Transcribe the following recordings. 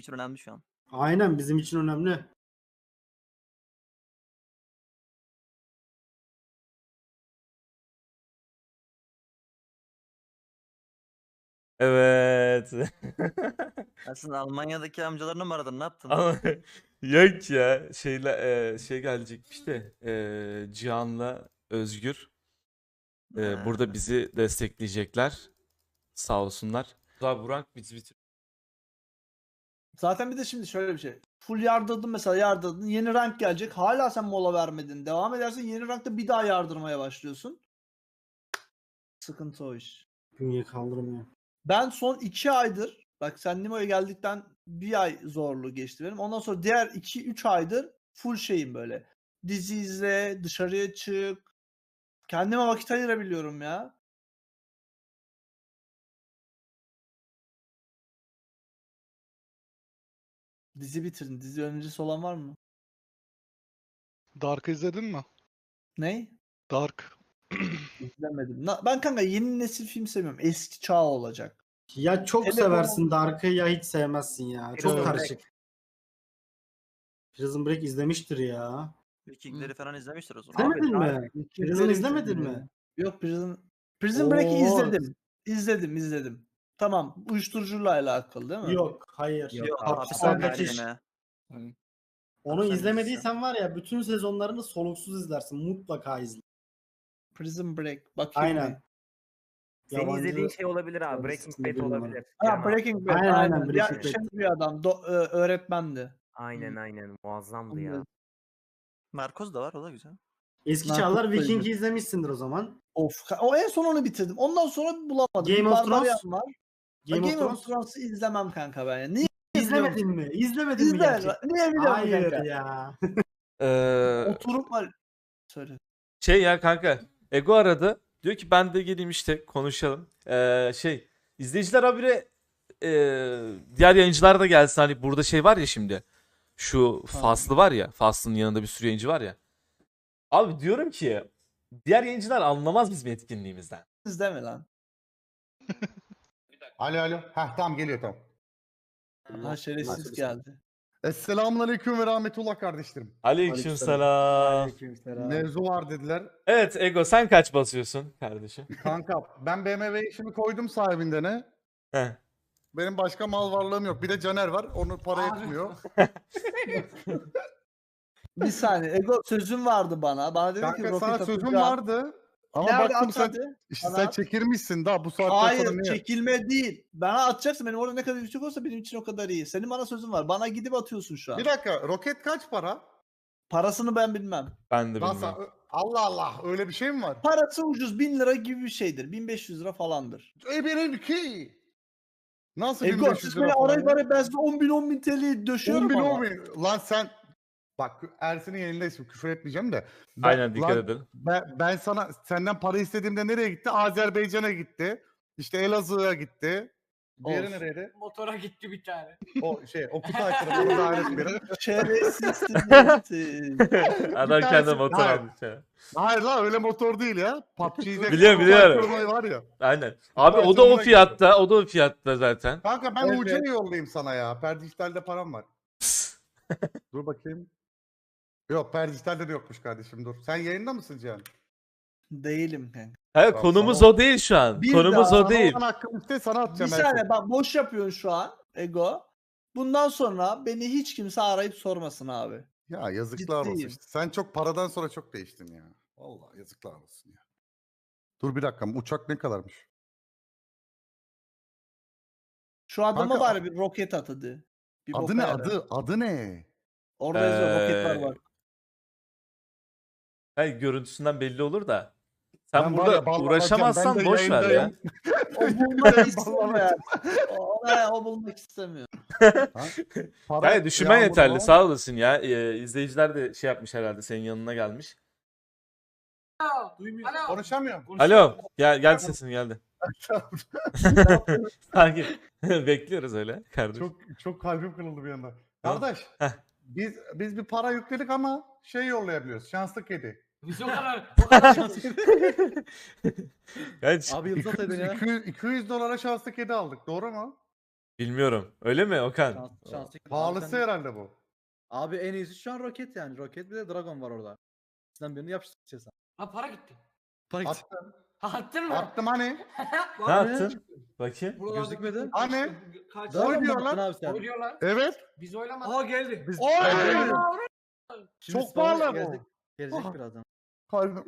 için önemli şu an. Aynen bizim için önemli. Evet. Aslında Almanya'daki amcalarını mı aradın? Ne yaptın? Ama yok ya şey gelecekmiş de Cihan'la Özgür burada bizi destekleyecekler. Sağ olsunlar. Daha Burak bizi bitir. Zaten bir de şimdi şöyle bir şey. Full yardırdın mesela yardırdın. Yeni rank gelecek. Hala sen mola vermedin. Devam edersen yeni rankta bir daha yardırmaya başlıyorsun. Sıkıntı o iş. Bünye kaldırmıyor. Ben son 2 aydır bak sen Nimo'ya geldikten bir ay zorlu geçti benim. Ondan sonra diğer 2-3 aydır full şeyim böyle. Dizi izle, dışarıya çık. Kendime vakit ayırabiliyorum ya. Dizi bitirdin. Dizi önerisi olan var mı? Dark'ı izledin mi? Ney? Dark. İzlemedim. Ben kanka yeni nesil film sevmiyorum. Eski çağ olacak. Ya çok Telefon- seversin Dark'ı ya hiç sevmezsin ya. Çok Prison karışık. Prison Break izlemiştir ya. Vikingleri falan izlemiştir o zaman. İzlemedin mi? Vikingleri Prison izlemedin izledim mi? ya. Yok Prison Break'i Oo. izledim. Tamam. Uyuşturucuyla alakalı değil mi? Yok, hayır. Yok, Hapishane hapishane müthiş. yine. Onu Hapishane izlemediysen var ya bütün sezonlarını soluksuz izlersin. Mutlaka izle. Prison Break. Bakayım Aynen. bir. Senin Yabancı izlediğin şey olabilir abi. Tabii, Breaking ismini Bad bilmiyorum. olabilir. Ha, Cihan abi. Breaking Bad. Aynen, aynen, Ya, Breaking Bad. şey bir adam. Öğretmendi. Aynen muazzamdı ya. Anladım. Narkoz da var, o da güzel. Eski Narkoz Çağlar da Viking'i izlemişsindir o zaman. O en son onu bitirdim. Ondan sonra bulamadım. Game Bir of Barbarian Thrones? var. Game of Thrones. Thrones'u izlemem kanka ben ya. Niye İzlemedin mi? İzlemedin mi İzle. gerçekten? Niye biliyorum Hayır kanka? ya. Oturup var. Söyle. Şey ya kanka Ego aradı. Diyor ki ben de geleyim işte konuşalım. İzleyiciler habire diğer yayıncılar da gelsin. Hani burada şey var ya şimdi. Şu Faslı var ya. Faslı'nın yanında bir sürü yayıncı var ya. Abi diyorum ki diğer yayıncılar anlamaz bizim etkinliğimizden. İzleme lan. Alo. Heh tamam geliyor tamam. Ha şerefsiz geldi. Esselamunaleyküm ve rahmetullah kardeşlerim. Aleykümselam. Aleykümselam. Mevzu var dediler. Evet Ego sen kaç basıyorsun kardeşim? Kanka ben BMW işimi koydum sahibinden ne? Heh. Benim başka mal varlığım yok. Bir de Caner var. Onu para etmiyor. Bir saniye. Ego sözün vardı bana. Bana dedi ki Kanka roket sana sözüm atacağım. vardı. Ama Nerede baktım at sen hadi. işte Bana sen at. çekirmişsin daha bu saatten sonra Hayır niye? çekilme değil. Bana atacaksın. Benim orada ne kadar yüksek olsa benim için o kadar iyi. Senin bana sözün var. Bana gidip atıyorsun şu an. Bir dakika roket kaç para? Parasını ben bilmem. Ben de Nasıl? bilmiyorum. Allah Allah öyle bir şey mi var? Parası ucuz 1000 lira gibi bir şeydir. 1500 lira falandır. Benimki. Nasıl Ego 1500 siz lira beni falan arayıp ya? arayıp ben size 10 bin TL'yi döşüyorum 10 bin ama. 10 bin. Lan sen bak Ersin'in yayındayız küfür etmeyeceğim de. Aynen dikkat lan, edin. Ben sana senden para istediğimde nereye gitti? Azerbaycan'a gitti. İşte Elazığ'a gitti. Diğeri Olsun. nereydi? Motora gitti bir tane. O Okut Aykırı. Onu da alet biri. Şerefsizsin. Adam tanesi- kendine motor Hayır. almış ya. Hayır lan öyle motor değil ya. PUBG'de Biliyorum, Okut biliyorum. Aykırı var ya. Aynen. Abi o da o Aykırı'na fiyatta. O da o fiyatta zaten. Kanka ben Evet. UC'ye yollayayım sana ya. Perdijital'de param var. Dur bakayım. Yok Perdijital'de de yokmuş kardeşim dur. Sen yayında mısın Cihan? Değilim kanka. Hayır Tamam, konumuz tamam. o değil şu an. Bir Konumuz daha o değil. Sana olan hakkım iste sana Bir atacağım. saniye bak boş yapıyorsun şu an Ego. Bundan sonra beni hiç kimse arayıp sormasın abi. Ya yazıklar olsun Ciddiyim. işte. Sen çok paradan sonra çok değiştin ya. Vallahi yazıklar olsun ya. Dur bir dakika uçak ne kadarmış? Şu adama Kanka, bari bir roket at hadi. Bir Adı boka ne yarar. adı ne? Orada yazıyor roketler var. Hayır görüntüsünden belli olur da. Sen Ben var burada ya, ballanacağım. uğraşamazsan Ben de boş ver ya. yayındayım. O bulmak Ben istemiyor. ballanacağım. O bulmak istemiyor. Para Hayır düşünmen yağmuru yeterli var. sağ olasın ya. İzleyiciler de şey yapmış herhalde senin yanına gelmiş. Duymuyor. Alo. Konuşamıyorum. Alo gel sesin geldi. Sanki bekliyoruz öyle kardeşim. Çok kalbim kırıldı bir anda. Kardeş Heh. biz bir para yükledik ama şey yollayabiliyoruz. Şanslı kedi. Biz o kadar Kaç? Abi yıldız at edin ya. 200 dolara şanslı kedi aldık. Doğru mu? Bilmiyorum. Öyle mi Okan? Şanslı. Pahalısı herhalde bu. Abi en iyisi şu an roket yani. Roket bir de dragon var orada. Sizden birini yapıştıracağız. Ha para gitti. Attım. Ha attın mı? Attım hani. Ne yaptın? Bakayım. Buralarda Gözükmedi. Hani? Kaç? Dragon Oy mu diyor attın lan. abi sen? Oynuyorlar. Evet. Biz oylamadık. Aa geldi. Biz Oy! Şimdi Çok sonra pahalı bu. Gelecek birazdan. Kalbim.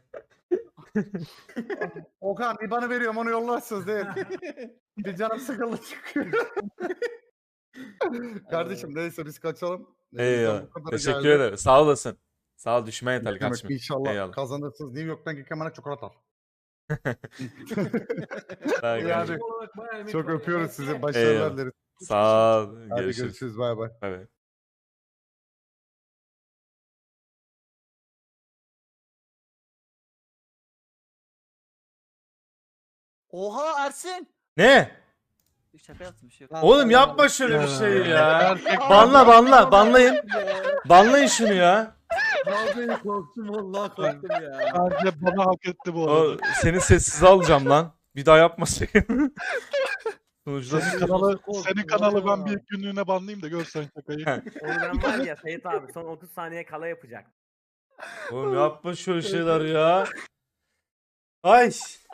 Okan IBAN'ı veriyorum onu yollarsınız değil. Bir canım sıkıldı çıkıyor. Kardeşim neyse biz kaçalım. Eyvallah. Bu kadar Teşekkür geldi. ederim. Sağ olasın. Sağ ol, düşme Ne yeterli demek, kardeşim. İnşallah Eyvallah. kazanırsınız. New York'tan Gülkemen'e çikolata al. Sağ ol Yani kardeşim. Olarak bayağı emek çok var ya. öpüyoruz sizi. Eyvallah. Başarılar dileriz. Sağ ol. Hadi Görüşürüz. görüşürüz. Bay bay. Bay bay. Oha Ersin. Ne? Şaka yaptım bir şey yok. Oğlum yapma şöyle bir şey ya. Gerçekten. Banlayın. Banlayın şunu ya. Abi korktum vallahi korktum ya. Bence bana hak etti bu O, arada. seni sessiz alacağım lan. Bir daha yapma sakın. Sonuçta Senin kanalı ben bir günlüğüne banlayayım da görsen şakayı. Onu ben var ya Seyit abi son 30 saniye kala yapacak. oğlum yapma şöyle şeyler ya. Ay.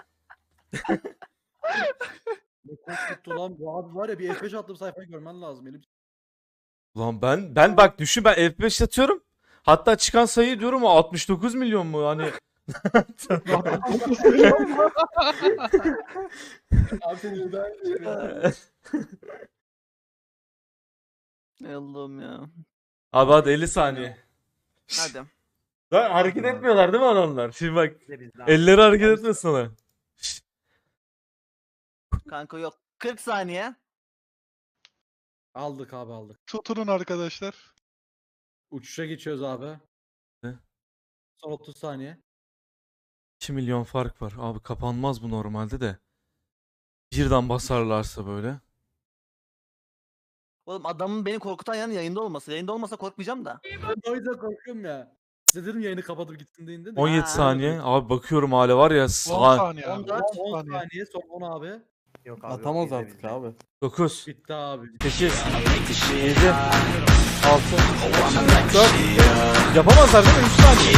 Ne korkuttu lan bu abi var ya bir F5 attım sayfayı görmen lazım elim. Ulan ben bak düşün, ben F5 atıyorum. Hatta çıkan sayı diyorum o 69 milyon mu hani. Abi senin bir daha Ey Allah'ım ya. Abi hadi 50 saniye. Hadi. Lan hareket etmiyorlar değil mi adamlar? Şimdi bak Bize bizden. elleri hareket etmesin sana. Kanka yok. 40 saniye. Aldık abi aldık. Tutunun arkadaşlar. Uçuşa geçiyoruz abi. Ne? Son 30 saniye. 2 milyon fark var. Abi kapanmaz bu normalde de. Birden basarlarsa böyle. Oğlum adamın beni korkutan yanı yayında olması. Yayında olmasa korkmayacağım da. Ben o yüzden korkuyorum ya. Size dedim yayını kapatıp gitsin deyin de. 17 Ha. saniye. Abi bakıyorum hala var ya. 10 saniye abi. 14, 10 10 saniye. saniye son 10 abi. Yok abi. Atamaz yok, artık bizde. abi. 9, Bitti abi. 8, 7, 6, 4. Yapamazlar değil mi? 3 saniye.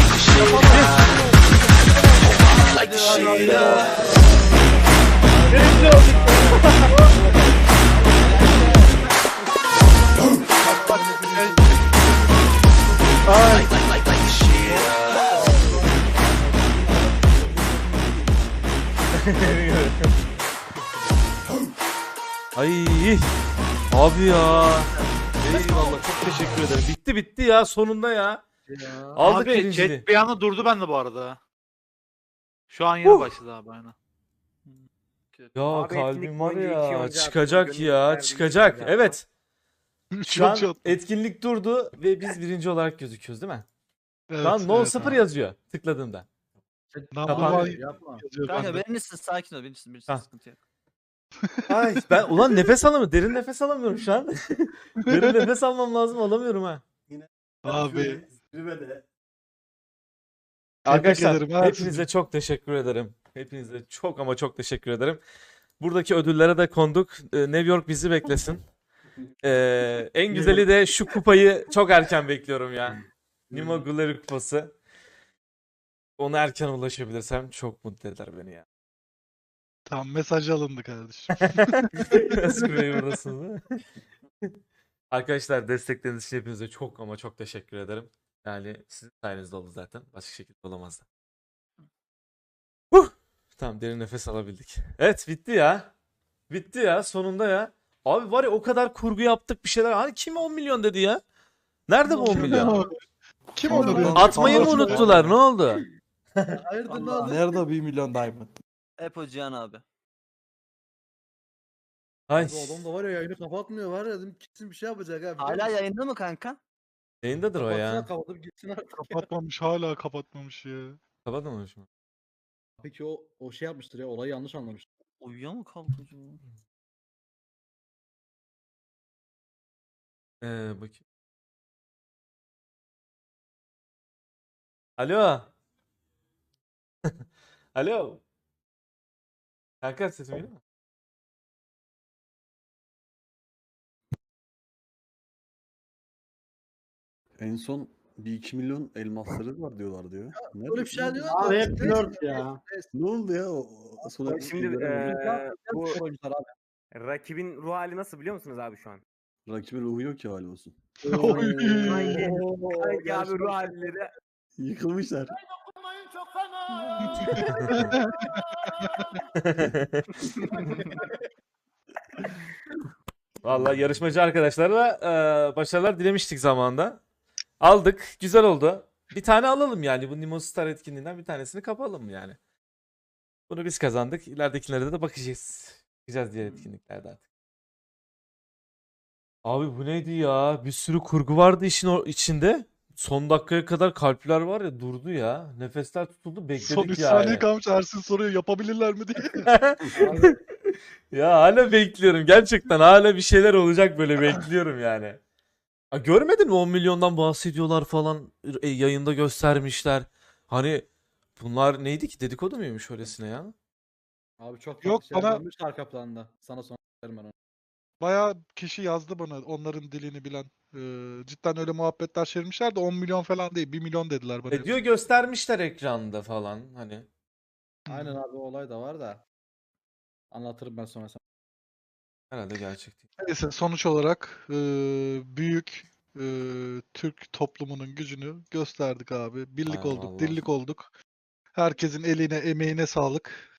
Ay abi ya. Eyvallah, çok teşekkür ederim. Bitti ya sonunda ya. Ya. Aldık Abi birinciliği. chat bir anda durdu bende bu arada. Şu an yeni başladı abi aynen. Ya Abi kalbim etkinlik var boyunca iki ya, oyuncu çıkacak attı, ya, gönüllüler çıkacak. birlikte Evet. Şu an Çok çok. etkinlik durdu ve biz birinci olarak gözüküyoruz değil mi? Evet, Şu an no evet 0 abi. yazıyor tıkladığımda. Number Kapan- one Yapma. yazıyor Kanka bende. birincisi sakin ol. Birincisi Ha. sıkıntı yok. Ay ben ulan nefes alamıyorum. Derin nefes alamıyorum şu an. Derin nefes almam lazım, alamıyorum ha. Abi. Arkadaşlar ederim ha hepinize sizi. çok teşekkür ederim. Hepinize çok ama çok teşekkür ederim. Buradaki ödüllere de konduk. New York bizi beklesin. En güzeli de şu kupayı çok erken bekliyorum ya. Nimo Gulleri kupası. Ona erken ulaşabilirsem çok mutlu eder beni ya. Tamam mesaj alındı kardeşim. Espriyi buradasınız değil mi? Arkadaşlar destekleriniz için hepinize çok ama çok teşekkür ederim. Yani sizin sayenizde oldu zaten. Başka şekilde olamazdı. Tamam, derin nefes alabildik. Evet, bitti ya. Bitti ya sonunda ya. Abi var ya, o kadar kurgu yaptık bir şeyler. Hani kim 10 milyon dedi ya? Nerede bu 10 milyon? Kim onu diyor? Atmayı mı unuttular? Ne oldu? Hayırdır ne oldu? Nerede 1 milyon diamond? Hep o Cihan abi. Ay. Bu adam da var ya yayını kapatmıyor var ya dedim gitsin bir şey yapacak abi. Hala yayında mı kanka? Yayındadır o ya. Kapatıp gitsin artık. Kapatmamış hala kapatmamış ya. Kapatmamış mı? Peki o şey yapmıştır ya olayı yanlış anlamış. Uyuyor mu kalkacak? Bakayım. Alo. Alo. Kanka sesim geliyor mu? En son bir 2 milyon elmasları var diyorlar diyor. Nerede? Öyle bir şey diyor. Abi hep flört ya. Ne oldu ya? Sonra Şimdi bu oyuncular abi. rakibin ruh hali nasıl biliyor musunuz abi şu an? rakibin ruhu yok ki hali olsun. Sanki abi ruh halleri Yıkılmışlar. Vallahi yarışmacı arkadaşlara başarılar dilemiştik zamanında. Aldık. Güzel oldu. Bir tane alalım yani. Bu Nimo Star etkinliğinden bir tanesini kapalım yani. Bunu biz kazandık. İleridekilere de bakacağız. Bakacağız diğer etkinliklerde artık. Abi bu neydi ya? Bir sürü kurgu vardı işin içinde. Son dakikaya kadar kalpler var ya durdu ya. Nefesler tutuldu bekledik Son 3 yani. saniye kalmış Ersin soruyor yapabilirler mi diye. Ya hala bekliyorum. Gerçekten hala bir şeyler olacak böyle bekliyorum yani. Ha, görmedin mi 10 milyondan bahsediyorlar falan yayında göstermişler. Hani bunlar neydi ki dedikodu muymuş öylesine ya? Abi çok Yok, farklı şeyler bana- dönmüş arka planda. Sana sonra söylerim ben onu. Bayağı kişi yazdı bana onların dilini bilen. Cidden öyle muhabbetler çevirmişler de 10 milyon falan değil 1 milyon dediler bana. Diyor göstermişler ekranda falan hani. Aynen abi o olay da var da. Anlatırım ben sonra sana. Herhalde gerçek değil. Neyse sonuç olarak büyük Türk toplumunun gücünü gösterdik abi. Birlik Ay olduk, vallahi. dirlik olduk. Herkesin eline, emeğine sağlık.